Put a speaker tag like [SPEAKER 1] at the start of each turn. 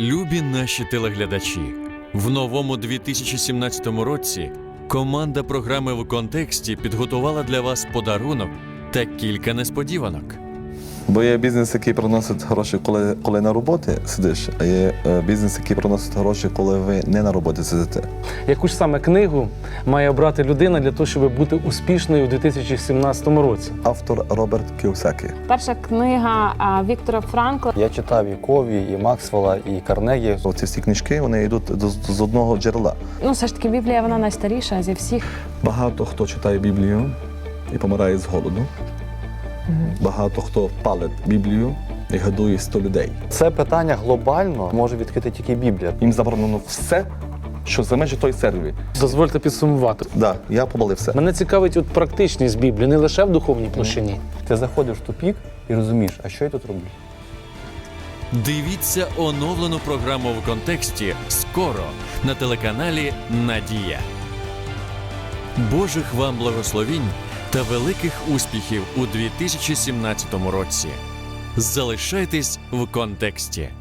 [SPEAKER 1] Любі наші телеглядачі, в новому 2017 році команда програми «В контексті» підготувала для вас подарунок та кілька несподіванок.
[SPEAKER 2] Бо є бізнес, який приносить гроші, коли на роботі сидиш, а є бізнес, який приносить гроші, коли ви не на роботі сидите.
[SPEAKER 3] Яку ж саме книгу має обрати людина для того, щоб бути успішною у 2017 році?
[SPEAKER 2] Автор Роберт Кіосакі.
[SPEAKER 4] Перша книга Віктора Франкла.
[SPEAKER 5] Я читав і Кові, і Максвелла, і Карнегі.
[SPEAKER 2] Ці всі книжки, вони йдуть з одного джерела.
[SPEAKER 4] Ну, все ж таки, Біблія, вона найстаріша зі всіх.
[SPEAKER 2] Багато хто читає Біблію і помирає з голоду. Багато хто палить Біблію і годує 100 людей.
[SPEAKER 5] Це питання глобально може відкрити тільки Біблія.
[SPEAKER 2] Їм заборонено все, що за межі тої церкви.
[SPEAKER 3] Дозвольте підсумувати.
[SPEAKER 2] Так, я помолився.
[SPEAKER 3] Мене цікавить от практичність Біблії, не лише в духовній площині.
[SPEAKER 5] Ти заходиш в тупік і розумієш, а що я тут роблю?
[SPEAKER 1] Дивіться оновлену програму «В контексті» скоро на телеканалі «Надія». Божих вам благословінь та великих успіхів у 2017 році. Залишайтесь в контексті.